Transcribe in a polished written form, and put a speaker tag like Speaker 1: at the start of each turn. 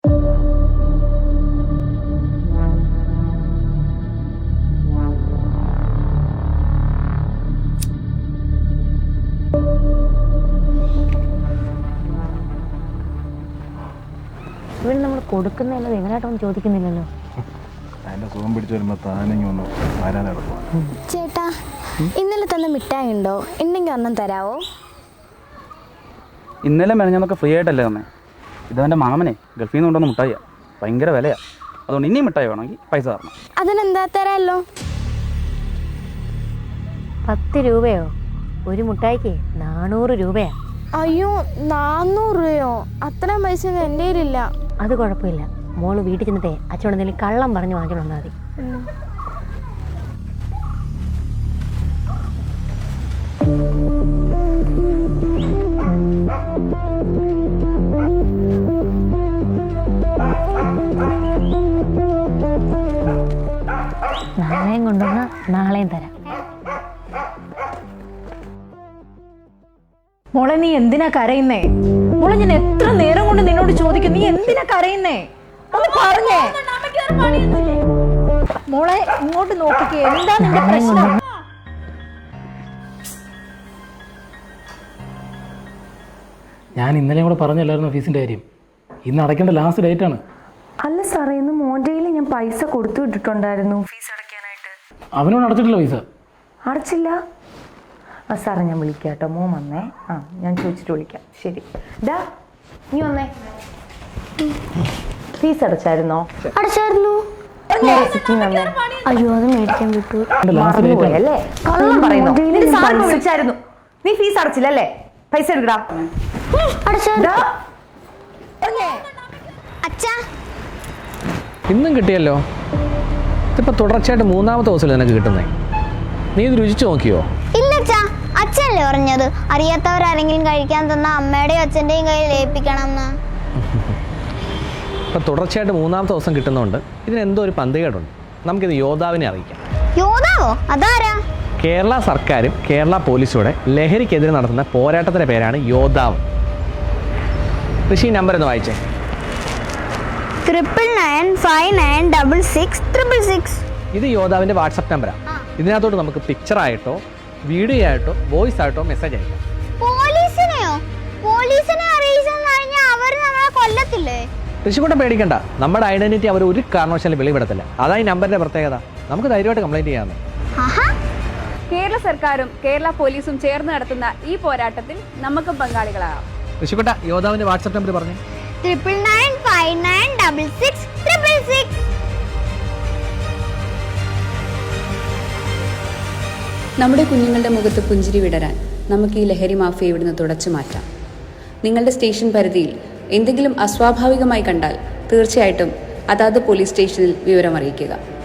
Speaker 1: ഇവിടെ നമ്മൾ കൊടുക്കുന്നതല്ലത് എങ്ങനെയായിട്ടൊന്നും ചോദിക്കുന്നില്ലല്ലോ.
Speaker 2: അതിന്റെ സുഖം പിടിച്ചു വരുമ്പോ താനെങ്കിൽ ഒന്ന് വരാനെടുക്കും.
Speaker 3: ചേട്ടാ, ഇന്നലെ തന്ന മിഠായി ഉണ്ടോ? ഉണ്ടെങ്കിൽ ഒന്നും തരാവോ?
Speaker 4: ഇന്നലെ മെനഞ്ഞൊക്കെ ഫ്രീ ആയിട്ടല്ലേ തന്നെ. ഇതെൻ്റെ മാമനെ ഗൾഫിൽ നിന്ന് കൊണ്ടുവന്ന മിഠായിയാണ്. ഭയങ്കര വിലയാണ്. അതുകൊണ്ട് ഇനിയും മിഠായി വേണമെങ്കിൽ പൈസ തരണം.
Speaker 3: അതിനെന്താ തരാമല്ലോ.
Speaker 1: 10 രൂപയോ? ഒരു മിഠായിക്ക് 400 രൂപയാ.
Speaker 3: അയ്യോ, 400 രൂപയോ? അത്രയും പൈസ എൻ്റെ കയ്യിലില്ല.
Speaker 1: അത് കുഴപ്പമില്ല, മോള് വീട്ടിൽ ചെന്നിട്ടേ അച്ഛനോട് എന്തെങ്കിലും കള്ളം പറഞ്ഞ് വാങ്ങിച്ചോണ്ട് വന്നാൽ മതി. നാളെയും കൊണ്ടുവന്ന നാളെയും തരാം.
Speaker 5: മോളെ, നീ എന്തിനാ കരയുന്നേ? മോളെ, ഞാൻ എത്ര നേരം കൊണ്ട് നിന്നോട് ചോദിക്കും, നീ എന്തിനാ കരയുന്നേ? ഒന്ന് പറഞ്ഞേ. മോളെ, ഇങ്ങോട്ട് നോക്കിക്കേ, എന്താ നിന്റെ പ്രശ്നം?
Speaker 6: ഞാൻ ഇന്നലെ കൂടെ പറഞ്ഞല്ലായിരുന്നു ഫീസിൻ്റെ കാര്യം. ഇന്ന് അടയ്ക്കേണ്ട ലാസ്റ്റ് ഡേറ്റ് ആണ്.
Speaker 7: അല്ല സാറേ, ഇന്ന് മോൻ്റെയിൽ ഞാൻ പൈസ കൊടുത്തു വിട്ടിട്ടുണ്ടായിരുന്നു ഫീസ് അടയ്ക്കാനായിട്ട്.
Speaker 6: അവനോട് അടച്ചിട്ടില്ല പൈസ.
Speaker 7: അടച്ചില്ല? ആ സാറേ, ഞാൻ വിളിക്കാം കേട്ടോ. മോൻ വന്നേ. ഞാൻ ചോദിച്ചിട്ട് വിളിക്കാം. ശരി. ഡാ, നീ വന്നേ. ഫീസ് അടച്ചായിരുന്നോ?
Speaker 3: അടച്ചായിരുന്നു. അയ്യോ, അത് മേടിക്കാൻ വിട്ടു.
Speaker 7: മറന്നുപോയല്ലേ? കള്ളം പറയുന്നു. വിളിച്ചായിരുന്നു. നീ ഫീസ് അടച്ചില്ലല്ലേ? പൈസ എടുക്കടാ.
Speaker 8: ഇന്നും കിട്ടിയല്ലോ. ഇതിപ്പോൾ തുടർച്ചയായിട്ട് 3ാമത്തെ ദിവസമല്ലേ നിനക്ക് കിട്ടുന്നേ. നീ ഇത് രുചിച്ചു നോക്കിയോ?
Speaker 9: ഇല്ല അച്ഛാ, അച്ഛനല്ലേ പറഞ്ഞത് അറിയാത്തവരാരെങ്കിലും കഴിക്കാൻ തന്ന അമ്മയുടെയും അച്ഛൻ്റെയും കയ്യിൽ ഏൽപ്പിക്കണം എന്ന്.
Speaker 8: ഇപ്പം തുടർച്ചയായിട്ട് 3ാമത്തെ ദിവസം കിട്ടുന്നതുകൊണ്ട് ഇതിനെന്തോ ഒരു പന്തികേടുണ്ട്. നമുക്കിത് യോദ്ധാവിനെ അറിയിക്കാം.
Speaker 9: യോദ്ധാവോ? അതാരാ?
Speaker 8: കേരള സർക്കാരും കേരള പോലീസൂടെ ലഹരിക്കെതിരെ നടത്തുന്ന പോരാട്ടത്തിൻ്റെ പേരാണ് യോദ്ധാവ്. ഋഷി, നമ്പർ ഒന്ന് വായിച്ചേ.
Speaker 9: 9995966666.
Speaker 8: ഇത് യോദ്ധാവിൻ്റെ വാട്സപ്പ് നമ്പറാണ്. ഇതിനകത്തോട്ട് നമുക്ക് പിക്ചറായിട്ടോ വീഡിയോ ആയിട്ടോ വോയിസ് ആയിട്ടോ മെസ്സേജ് അയക്കാം.
Speaker 9: പോലീസിനെയോ? പോലീസിനെ അറിയിച്ചെന്ന് പറഞ്ഞാൽ അവർ നമ്മളെ കൊല്ലത്തില്ലേ?
Speaker 8: ഋഷിക്കൂട്ടം പേടിക്കണ്ട, നമ്മുടെ ഐഡന്റിറ്റി അവർ ഒരു കാരണവശാലും വെളിപ്പെടുത്തില്ല. അതാ ഈ നമ്പറിന്റെ പ്രത്യേകത. നമുക്ക് ധൈര്യമായിട്ട് കംപ്ലൈന്റ് ചെയ്യാമെന്ന്.
Speaker 10: കേരള സർക്കാരും കേരള പോലീസും ചേർന്ന് നടത്തുന്ന ഈ പോരാട്ടത്തിൽ നമുക്കും പങ്കാളികളാകാം.
Speaker 8: ഋഷിക്കൂട്ട, യോദ്ധാവിന്റെ വാട്സ്ആപ്പ് നമ്പർ പറഞ്ഞു.
Speaker 9: 9995966666.
Speaker 10: നമ്മുടെ കുഞ്ഞുങ്ങളുടെ മുഖത്ത് പുഞ്ചിരി വിടരാൻ നമുക്ക് ഈ ലഹരി മാഫിയ ഇവിടുന്ന് തുടച്ചു മാറ്റാം. നിങ്ങളുടെ സ്റ്റേഷൻ പരിധിയിൽ എന്തെങ്കിലും അസ്വാഭാവികമായി കണ്ടാൽ തീർച്ചയായിട്ടും അതാത് പോലീസ് സ്റ്റേഷനിൽ വിവരം അറിയിക്കുക.